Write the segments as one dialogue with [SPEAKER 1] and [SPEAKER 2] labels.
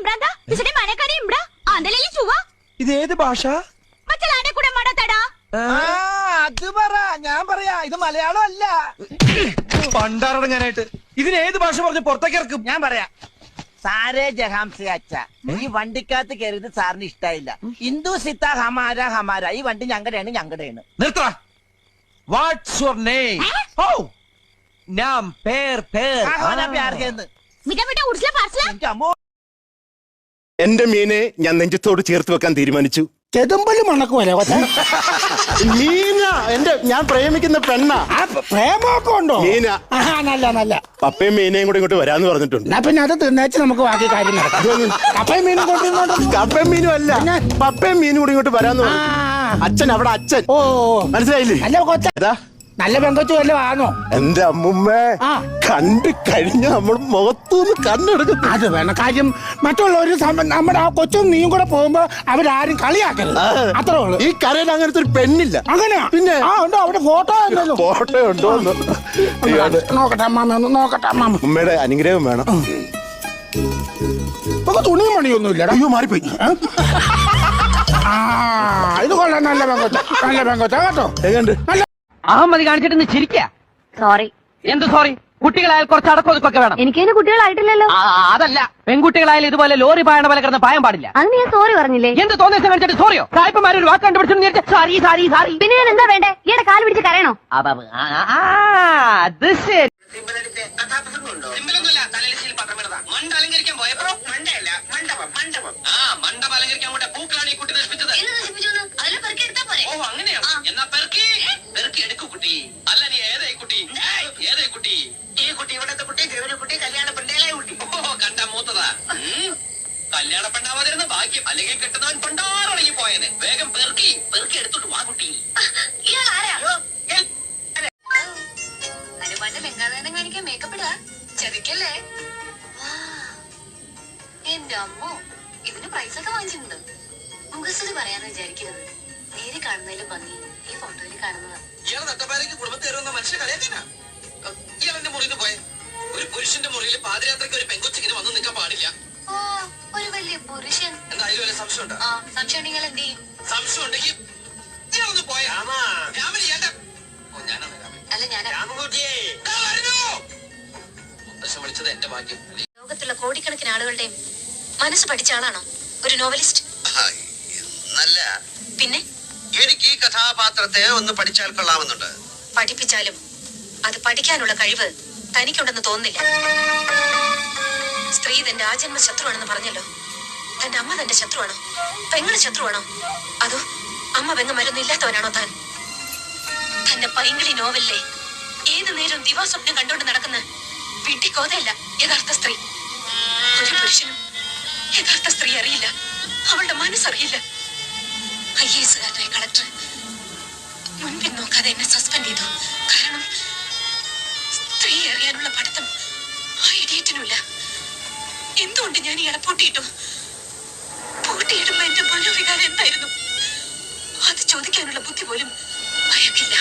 [SPEAKER 1] ഇത് ഏത് ഭാഷ?
[SPEAKER 2] അത് പറ, ഞാൻ പറയാ, ഇത് മലയാളം അല്ല.
[SPEAKER 1] പണ്ടാറടങ്ങാനായിട്ട് ഇതിന് ഏത് ഭാഷ പറഞ്ഞ് പുറത്തേക്ക് ഇറക്കും?
[SPEAKER 2] ഞാൻ പറയാ, സാരേ ജഹാംസെ അച്ഛ, ഈ വണ്ടിക്കകത്ത് കയറിയത് സാറിന് ഇഷ്ടായില്ല. ഹിന്ദു സിത്ത ഹമാര ഹമാര, ഈ വണ്ടി ഞങ്ങളുടെയാണ് ഞങ്ങളുടെയാണ്.
[SPEAKER 1] നിർത്ത. What's your name? ഓ, നാം പേർ പേർ.
[SPEAKER 3] എന്റെ മീനെ ഞാൻ നെഞ്ചത്തോട് ചേർത്ത് വെക്കാൻ തീരുമാനിച്ചു.
[SPEAKER 4] ചെതുമ്പല് മണക്കുമല്ലേ
[SPEAKER 3] മീന ഞാൻ പ്രേമിക്കുന്ന പെണ്ണ.
[SPEAKER 4] പ്രേമമൊക്കെ ഉണ്ടോ?
[SPEAKER 3] മീന.
[SPEAKER 4] നല്ല നല്ല.
[SPEAKER 3] പപ്പയും മീനയും കൂടെ ഇങ്ങോട്ട് വരാന്ന് പറഞ്ഞിട്ടുണ്ട്.
[SPEAKER 4] എന്നാ പിന്നെ അത് തിന്നേച്ച് നമുക്ക് ബാക്കി കാര്യം നടക്കാം. കപ്പയും മീനും കൊണ്ടിരുന്നോണ്ട്.
[SPEAKER 3] കപ്പയും മീനും അല്ല, പപ്പയും മീനും കൂടെ ഇങ്ങോട്ട് വരാന്ന് പറഞ്ഞു. അച്ഛൻ അവിടെ അച്ഛൻ.
[SPEAKER 4] ഓ
[SPEAKER 3] മനസ്സിലായില്ലേ?
[SPEAKER 4] നല്ല കൊച്ച, നല്ല പെങ്കൊച്ചു വല്ല ആണോ?
[SPEAKER 3] എന്റെ അമ്മുമ്മേ, കണ്ടു കഴിഞ്ഞ നമ്മൾ മുഖത്തൂന്ന് കണ്ണെടുക്കും.
[SPEAKER 4] അത് വേണം കാര്യം. മറ്റുള്ളവര് നമ്മുടെ ആ കൊച്ചും നീയും കൂടെ പോകുമ്പോ അവരാരും കളിയാക്കരുത്, അത്രേ ഉള്ളൂ.
[SPEAKER 3] ഈ കരയിൽ അങ്ങനത്തെ ഒരു പെണ്ണില്ല.
[SPEAKER 4] അങ്ങനെയാ?
[SPEAKER 3] പിന്നെ
[SPEAKER 4] ഉണ്ടോ അവിടെ ഫോട്ടോ?
[SPEAKER 3] ഫോട്ടോ ഉണ്ടോ?
[SPEAKER 4] നോക്കട്ടെ അമ്മാമ, ഒന്ന് നോക്കട്ടെ അമ്മാമ.
[SPEAKER 3] ഉമ്മയുടെ അനുഗ്രഹം വേണം.
[SPEAKER 4] ഇപ്പൊ തുണിയും പണിയൊന്നുമില്ലടാ.
[SPEAKER 3] അയ്യോ, മാറിപ്പോയി.
[SPEAKER 4] ഇത് കൊള്ളാം, നല്ല പെങ്കൊച്ച, നല്ല പെങ്കൊച്ച കേട്ടോ. നല്ല
[SPEAKER 5] അഹമ്മതി കാണിച്ചിട്ട് ചിരിക്ക.
[SPEAKER 6] സോറി.
[SPEAKER 5] എന്ത് സോറി? കുട്ടികളായാൽ കുറച്ച് അടക്കൊതുക്കൊക്കെ വേണം.
[SPEAKER 6] എനിക്കതിന് കുട്ടികളായിട്ടില്ലല്ലോ.
[SPEAKER 5] അതല്ല, പെൺകുട്ടികളായാലും ഇതുപോലെ ലോറി പായണ പോലെ കിടന്ന് പായം പാടില്ല.
[SPEAKER 6] അതിന് ഞാൻ സോറി പറഞ്ഞില്ലേ?
[SPEAKER 5] എന്ത് തോന്നിയ കാണിച്ചിട്ട് സോറിയോ? സായിപ്പന്മാരൊരു വാക്ക് കണ്ടുപിടിച്ചു സാറി സാറി സാറി.
[SPEAKER 6] പിന്നെ ഞാൻ എന്താ വേണ്ടേ? ഈയുടെ കാല് പിടിച്ച് കരയണോ?
[SPEAKER 5] അത് ശരി.
[SPEAKER 2] മണ്ടലങ്കരിക്കാൻ പോയപ്പോ മണ്ടയല്ല, മണ്ഡപം മണ്ഡപം. മണ്ഡപം അലങ്കരിക്കാൻ കൂടെ പൂക്കളാണ് ഈ കുട്ടി നശിപ്പിച്ചത്. ഓ, അങ്ങനെയാ? എന്നാ പെറുക്കി പെറുക്കി എടുക്കു കുട്ടി. അല്ല, നീ ഏതായി കുട്ടി? ഏതായി കുട്ടി? ഈ കുട്ടി, ഇവിടത്തെ കുട്ടി, ഗൗരി കുട്ടി, കല്യാണ പെണ്ണേലായ കുട്ടി. ഓ, കണ്ട മൂത്തതാ. കല്യാണ പെണ്ണാവാതിരുന്ന ഭാഗ്യം, അല്ലെങ്കിൽ കെട്ടുന്നവൻ പണ്ടാറടങ്ങി പോയനെ. വേഗം പെറുക്കി പെറുക്കി എടുത്തോട്ട് വാ കുട്ടി.
[SPEAKER 6] ഹനുമാന്റെ ബംഗാളാനം കാണിക്കാൻ മേക്കപ്പ് ഇടാ, ചതിക്കല്ലേ? എന്റെ അമ്മോ, ഇതിന് പ്രൈസ് ഒക്കെ വാങ്ങിച്ചിട്ടുണ്ട്. മുഖസ്തുതി പറയാന്ന് വിചാരിക്കരുത്. നേരെ കാണുന്നതിലും ഭംഗി ഈ ഫോട്ടോയിൽ കാണുന്നതാ.
[SPEAKER 2] ഇയാളെ നട്ടപ്പാരയ്ക്ക് കുടുംബത്തിൽ കയറുന്ന മനുഷ്യ കളിയാക്കാനാ. ഇയാളെന്റെ മുറിയിൽ പോയ ഒരു പുരുഷന്റെ മുറിയിൽ പാദയാത്രയ്ക്ക് ഒരു പെങ്കൊച്ചിങ്ങനെ വന്ന് നിൽക്കാൻ പാടില്ല.
[SPEAKER 6] ഓ, ഒരു വലിയ പുരുഷൻ.
[SPEAKER 2] എന്തായാലും വല്ല സംശയം ഉണ്ടോ?
[SPEAKER 6] സംശയം നിങ്ങൾ എന്ത് ചെയ്യും?
[SPEAKER 2] സംശയം ഉണ്ടെങ്കിൽ ഇയാളൊന്ന് പോയ രാമൻ ചേട്ടൻ. ഓ, ഞാനാണ് രാമൻ.
[SPEAKER 6] അല്ല, ഞാൻ
[SPEAKER 2] മുത്തശ്ശൻ വിളിച്ചത് എന്റെ ഭാഗ്യം.
[SPEAKER 6] ലോകത്തുള്ള കോടിക്കണക്കിന് ആളുകളുടെയും മനസ്സ് പഠിച്ച ആളാണോ ഒരു നോവലിസ്റ്റ്?
[SPEAKER 2] നല്ല.
[SPEAKER 6] പിന്നെ
[SPEAKER 2] എനിക്ക് ഈ കഥാപാത്രത്തെ ഒന്ന് പഠിച്ചാൽ കൊള്ളാമെന്നുണ്ട്.
[SPEAKER 6] പഠിപ്പിച്ചാലും അത് പഠിക്കാനുള്ള കഴിവ് തനിക്കുണ്ടെന്ന് തോന്നുന്നില്ല. സ്ത്രീ തന്റെ ആജന്മ ശത്രുവാണെന്ന് പറഞ്ഞല്ലോ. തന്റെ അമ്മ തന്റെ ശത്രുവാണോ? പെങ്ങള് ശത്രുവാണോ? അതോ അമ്മ പെങ്ങന്മാരൊന്നും ഇല്ലാത്തവനാണോ താൻ? തന്റെ പൈങ്കിളി നോവലിലെ ഏത് നേരം ദിവാസ്വപ്നം കണ്ടോണ്ട് നടക്കുന്ന വിഡ്ഢിക്കോതയല്ല യഥാർത്ഥ സ്ത്രീ. ഒരു പുരുഷനും യഥാർത്ഥ സ്ത്രീ അറിയില്ല, അവളുടെ മനസ്സറിയില്ല. IAS കളക്ടർ മുൻപിൽ നോക്കാതെ എന്നെ സസ്പെൻഡ് ചെയ്തു. കാരണം സ്ത്രീ അറിയാനുള്ള പഠിത്തം ആ ഇഡിയറ്റിനുമില്ല. എന്തുകൊണ്ട് ഞാൻ ഇയാളെ പൂട്ടിയിട്ടു? പൂട്ടിയിടുമ്പോ എന്റെ മനോവികാരം എന്തായിരുന്നു? അത് ചോദിക്കാനുള്ള ബുദ്ധി പോലും അയാൾക്കില്ല.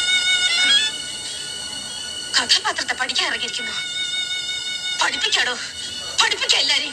[SPEAKER 6] കഥാപാത്രത്തെ പഠിക്കാൻ ഇറങ്ങിയിരിക്കുന്നു. പഠിപ്പിക്കാടോ, പഠിപ്പിക്കാം എല്ലാരെയും.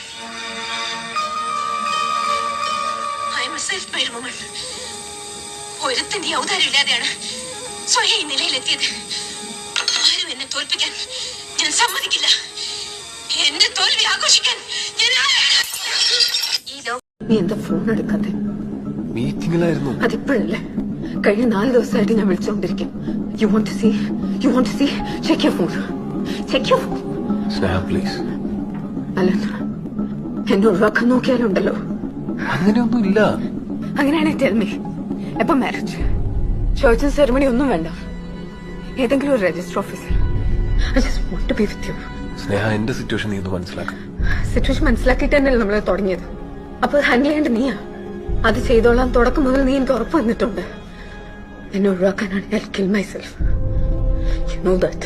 [SPEAKER 6] ഒരുത്തിന്റെ ഔദാര്യം ഇല്ലാതെയാണ് സ്വയം ഈ നിലയിലെത്തിയത്. ആരും എന്നെ തോൽപ്പിക്കാൻ ഞാൻ സമ്മതിക്കില്ല. എന്റെ തോൽവി ആഘോഷിക്കാൻ ഞാൻ ഈ
[SPEAKER 7] നീ എന്താ ഫോൺ എടുക്കാതെ?
[SPEAKER 3] മീറ്റിംഗിലായിരുന്നു.
[SPEAKER 7] അതിപ്പോഴല്ലേ? കഴിഞ്ഞ 4 ദിവസമായിട്ട് ഞാൻ വിളിച്ചുകൊണ്ടിരിക്കും. You want to see? Check your phone.
[SPEAKER 3] Sneha, please.
[SPEAKER 7] Alan, എന്നെ ഒഴിവാക്കാൻ നോക്കിയാലുണ്ടല്ലോ.
[SPEAKER 3] അങ്ങനെയൊന്നും ഇല്ല.
[SPEAKER 7] അങ്ങനെയാണെങ്കിൽ tell me, എപ്പോ മാരേജ്? ചോയ്സും സെറിമണി ഒന്നും വേണ്ട. ഏതെങ്കിലും ഒരു രജിസ്റ്റർ ഓഫീസിൽ. I just want to be with you.
[SPEAKER 3] സ്നേഹ, എന്റെ സിറ്റുവേഷൻ നീ ഒന്ന് മനസ്സിലാക്കണം.
[SPEAKER 7] സിറ്റുവേഷൻ മനസ്സിലാക്കിയിട്ട് തന്നെയല്ലേ നമ്മൾ തുടങ്ങിയത്. അപ്പൊ ഹാൻഡിൽ ചെയ്യേണ്ട നീയാ. അത് ചെയ്തോളാം തുടക്കം മുതൽ നീ എനിക്ക് ഉറപ്പ് വന്നിട്ടുണ്ട്. എന്നെ ഒഴിവാക്കാനാണ് I'll kill myself. You know that.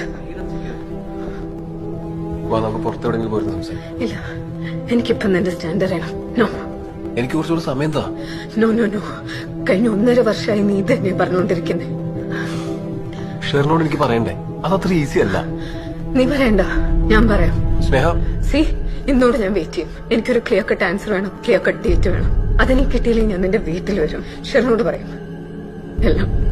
[SPEAKER 3] നമുക്ക് പുറത്തെവിടെങ്കിലും പോയിരുന്നു സംസാരിക്കാം.
[SPEAKER 7] ഇല്ല, എനിക്കിപ്പം നിന്റെ സ്റ്റാൻഡ് അറിയണം. നോ,
[SPEAKER 3] എനിക്ക് കുറച്ചുകൂടെ സമയം താ.
[SPEAKER 7] നോ. കഴിഞ്ഞ 1.5 വർഷമായി നീ തന്നെ പറഞ്ഞുകൊണ്ടിരിക്കുന്നേ.
[SPEAKER 3] ഷെറിനോട് എനിക്ക് പറയണ്ടേ? അതത്ര ഈസി അല്ല.
[SPEAKER 7] നീ പറയണ്ട, ഞാൻ പറയാം.
[SPEAKER 3] സ്നേഹ,
[SPEAKER 7] സി ഇന്നോട് ഞാൻ വെയിറ്റ് ചെയ്യും. എനിക്കൊരു ക്ലിയർ കട്ട് ആൻസർ വേണം, ക്ലിയർ കട്ട് ഡേറ്റ് വേണം. അതെനിക്ക് കിട്ടിയില്ലെങ്കിൽ ഞാൻ നിന്റെ വീട്ടിൽ വരും, ഷെറിനോട് പറയും എല്ലാം.